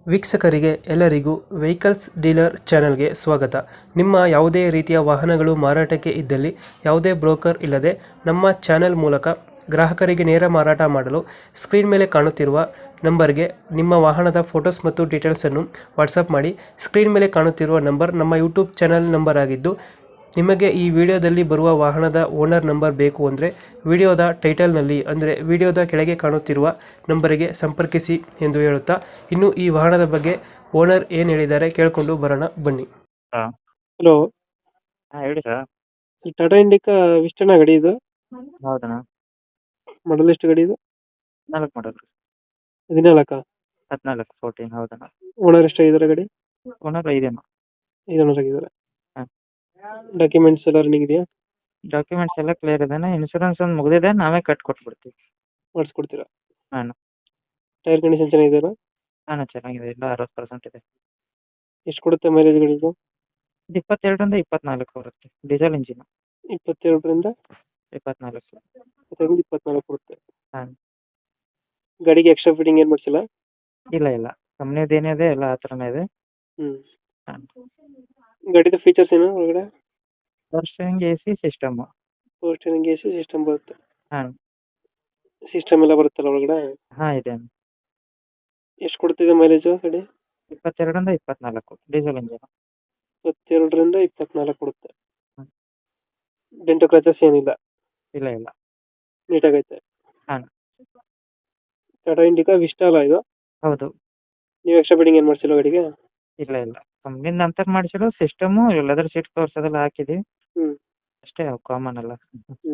ವೀಕ್ಷಕರಿಗೆ ಎಲ್ಲರಿಗೂ vehicles dealer ಚಾನೆಲ್ಗೆ ಸ್ವಾಗತ. ನಿಮ್ಮ ಯಾವುದೇ ರೀತಿಯ ವಾಹನಗಳು ಮಾರಾಟಕ್ಕೆ ಇದ್ದಲ್ಲಿ ಯಾವುದೇ ಬ್ರೋಕರ್ ಇಲ್ಲದೆ ನಮ್ಮ ಚಾನೆಲ್ ಮೂಲಕ ಗ್ರಾಹಕರಿಗೆ ನೇರ ಮಾರಾಟ ಮಾಡಲು ಸ್ಕ್ರೀನ್ ಮೇಲೆ ಕಾಣುತ್ತಿರುವ ನಂಬರ್ಗೆ ನಿಮ್ಮ ವಾಹನದ ಫೋಟೋಸ್ ಮತ್ತು ಡೀಟೇಲ್ಸನ್ನು ವಾಟ್ಸಪ್ ಮಾಡಿ. ಸ್ಕ್ರೀನ್ ಮೇಲೆ ಕಾಣುತ್ತಿರುವ ನಂಬರ್ ನಮ್ಮ ಯೂಟ್ಯೂಬ್ ಚಾನೆಲ್ ನಂಬರ್ ಆಗಿದ್ದು, ನಿಮಗೆ ಈ ವಿಡಿಯೋದಲ್ಲಿ ಬರುವ ವಾಹನದ ಓನರ್ ನಂಬರ್ ಬೇಕು ಅಂದರೆ ವಿಡಿಯೋದ ಟೈಟಲ್ನಲ್ಲಿ ಅಂದರೆ ವಿಡಿಯೋದ ಕೆಳಗೆ ಕಾಣುತ್ತಿರುವ ನಂಬರಿಗೆ ಸಂಪರ್ಕಿಸಿ ಎಂದು ಹೇಳುತ್ತಾ, ಇನ್ನು ಈ ವಾಹನದ ಬಗ್ಗೆ ಓನರ್ ಏನು ಹೇಳಿದ್ದಾರೆ ಕೇಳಿಕೊಂಡು ಬರೋಣ ಬನ್ನಿ. ಹಾ ಹಲೋ, ಹಾ ಹೇಳಿ ಸರ್. ಈ ಟಾಟಾ ಇಂಡಿಕಾ ವಿಸ್ಟನ ಗಾಡಿ ಇದು? ಹೌದಣ್ಣ. ಮಾಡಲ್ ಎಷ್ಟು ಗಾಡಿ ಇದು? 14 ಮಾಡಲ್. 14? 14 14 ಹೌದಣ್ಣ. ಓನರ್ ಎಷ್ಟಾಗಿದ್ದಾರೆ ಗಾಡಿ? ಓನರ್ 5 ಅಣ್ಣ. 5 ಓನರ್ ಆಗಿದ್ದಾರೆ. ಹಾ. ಡಾಕ್ಯುಮೆಂಟ್ಸ್ ಎಲ್ಲ ರನ್ನಿಂಗ್ ಇದೆಯಾ? ಡಾಕ್ಯುಮೆಂಟ್ಸ್ ಎಲ್ಲ ಕ್ಲಿಯರ್ ಇದೆ. ಇನ್ಶೂರೆನ್ಸ್ ಒಂದು ಮುಗಿದಿದೆ, ನಾವೇ ಕಟ್ ಕೊಟ್ಬಿಡ್ತೀವಿ. ಮಾಡಿಸ್ಕೊಡ್ತೀರಾ? ಹಾಂ ಟೈರ್ ಕಂಡೀಷನ್ ಚೆನ್ನಾಗಿದೆಯಲ್ಲ? ಹಾಂ ಚೆನ್ನಾಗಿದೆ, ಎಲ್ಲ 60% ಇದೆ. ಎಷ್ಟು ಕೊಡುತ್ತೆ ಮೈಲೇಜ್ ಗಾಡಿ ಇದು? ಇದು 22ರಿಂದ 24 ಬರುತ್ತೆ. Diesel engine. 22ರಿಂದ 24. 24 ಕೊಡುತ್ತೆ. ಹಾಂ. ಗಾಡಿಗೆ ಎಕ್ಸ್ಟ್ರಾ ಫಿಟ್ಟಿಂಗ್ ಏನು ಮಾಡಿಸಿಲ್ಲ? ಇಲ್ಲ ಇಲ್ಲ, ಕಂಪ್ನಿದು ಏನಿದೆ ಎಲ್ಲ ಆ ಥರನೇ ಇದೆ. ಹ್ಞೂ. ಹಾಂ. ಗಾಡಿದು ಫೀಚರ್ಸ್ ಏನು ಒಳಗಡೆ? Power steering, A C system. Power steering, A C system ಬರುತ್ತೆ. ಹಾಂ ಸಿಸ್ಟಮ್ ಎಲ್ಲ ಬರುತ್ತಲ್ಲ ಒಳಗಡೆ? ಹಾಂ ಇದೆ. ಎಷ್ಟು ಕೊಡ್ತಿದೆ ಮೈಲೇಜು ಗಾಡಿ? 22ರಿಂದ 24 ಡೀಸೆಲ್ ಇಂಜಿನ್. 22ರಿಂದ 24 ಕೊಡುತ್ತೆ. ಹ್ಮ್. ಡೆಂಟು ಕ್ರಚಸ್ ಏನಿಲ್ಲ? ಇಲ್ಲ ಇಲ್ಲ. ನೀಟಾಗೈತೆ. ಹಾಂ ಟಾಟಾ ಇಂಡಿಕಾ ವಿಸ್ಟಾ ಅಲ್ಲ ಇದು? ಹೌದು. ನೀವು ಎಕ್ಸ್ಟ್ರಾ ಫಿಟ್ಟಿಂಗ್ ಏನು ಮಾಡಿಸಿಲ್ಲ ಗಾಡಿಗೆ? ಇಲ್ಲ ಇಲ್ಲ, ಕಂಪ್ನಿಯಿಂದ ನಂತರ ಮಾಡಿಸಿರೋ ಸಿಸ್ಟಮು ಲೆದರ್ ಸೀಟ್ ಕವರ್ಸ್ ಅದೆಲ್ಲ ಹಾಕಿದ್ದೀವಿ ಹ್ಞೂ ಅಷ್ಟೇ, ಅವು ಕಾಮನ್ ಅಲ್ಲ. ಹ್ಞೂ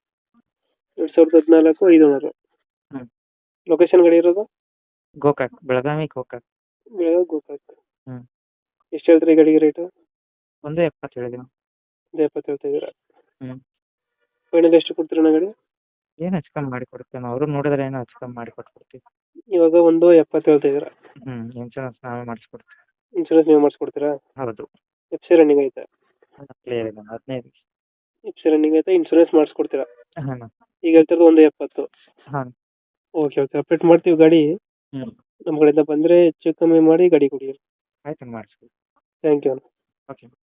2014 5 ಓನರು. ಹ್ಮ್. ಲೊಕೇಶನ್ ಗಾಡಿ ಇರೋದು? ಗೋಕಾಕ್, ಬೆಳಗಾವಿ ಗೋಕಾಕ್. ಬೆಳಗಾವಿ ಗೋಕಾಕ್. ಹ್ಮ್. ಎಷ್ಟು ಹೇಳ್ತೀರಿ ಗಾಡಿಗೆ ರೇಟು? 1.70 ಹೇಳಿದೀವಿ. 70 ಹೇಳ್ತಾ ಇದ್ದೀರಾ? ಹ್ಞೂ. ಫೈನಲ್ ಎಷ್ಟು ಕೊಡ್ತೀರಣ್ಣ ಗಾಡಿ? ಏನು ಹೆಚ್ಚು ಕಮ್ಮಿ ಮಾಡಿ ಕೊಡ್ತೇವೆ, ಅವರು ನೋಡಿದ್ರೆ ಏನೋ ಹೆಚ್ಚು ಕಮ್ಮಿ ಮಾಡಿ ಕೊಟ್ಬಿಡ್ತೀವಿ. ಇವಾಗ 1.70 ಹೇಳ್ತಾ ಇದ್ದೀರಾ? ಹ್ಞೂ. ಇನ್ಶೂರೆನ್ಸ್ ನಾವೇ ಮಾಡಿಸ್ಕೊಡ್ತೀವಿ. ಇನ್ಶೂರೆನ್ಸ್ ನೀವು ಮಾಡಿಸ್ಕೊಡ್ತೀರಾ? ಹೌದು. ಎಫ್ ಸಿ ರನ್ನಿಂಗ್ ಐತೆ? ಕ್ಲಿಯರ್ ಇದೆ, 15. ಎಫ್ ಸಿ ರನ್ನಿಂಗ್ ಐತೆ, ಇನ್ಶೂರೆನ್ಸ್ ಮಾಡಿಸ್ಕೊಡ್ತೀರಾ? ಹಾಂ ಈಗ ಹೇಳ್ತಿರೋದು 1.70. ಹಾಂ. ಓಕೆ ಓಕೆ, ಅಪ್ಡೇಟ್ ಮಾಡ್ತೀವಿ ಗಾಡಿ. ಹ್ಞೂ. ನಮ್ಮ ಕಡೆಯಿಂದ ಬಂದರೆ ಹೆಚ್ಚು ಕಮ್ಮಿ ಮಾಡಿ ಗಾಡಿ ಕೊಡಿ. ಆಯ್ತು ಮಾಡಿಸ್ಕೊಡಿ. Thank you. ಓಕೆ.